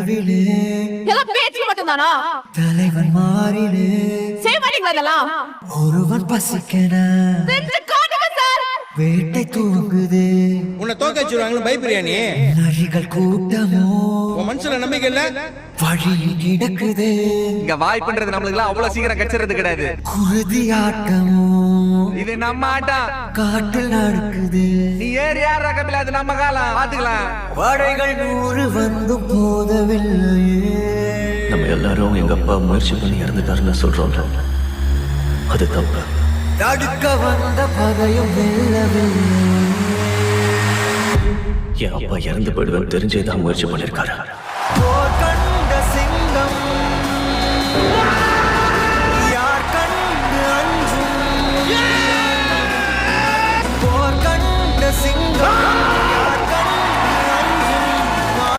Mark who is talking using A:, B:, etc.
A: நடுவிலே
B: எல்லாம் பேச்சு மட்டும்தானா?
A: தலைவன் மாறிலே
B: செய்ய மாட்டீங்களா இதெல்லாம்?
A: ஒருவன் பசிக்கன
B: செஞ்சு காட்டுங்க சார்.
A: வேட்டை தூங்குது.
C: உன்னை தோக்க வச்சிருவாங்களு பயப்படுறியா நீ?
A: நரிகள் கூட்டமோ
C: உன் மனசுல நம்பிக்கை இல்ல?
A: வழியில் கிடக்குது.
D: இங்க வாய்ப்புன்றது நம்மளுக்கு அவ்வளவு சீக்கிரம் கச்சிறது கிடையாது.
A: குருதி ஆட்டமோ
D: இது நம்ம ஆட்டம்.
A: காட்டில் நடக்குது.
D: நீ ஏறி யாரா கபில, அது நம்ம காலம், பாத்துக்கலாம்.
A: படைகள் 100 வந்தும் போதவில்லையே.
E: நம்ம எல்லாரும் எங்க அப்பா முயற்சி பண்ணி இறந்துட்டாருன்னு சொல்றோம். அது தப்பு.
A: தடுக்க வந்த பகையும் வெல்லவில்லை.
E: என் அப்பா இறந்து போயிடுவேன் தெரிஞ்சேதான் முயற்சி பண்ணிருக்காரு.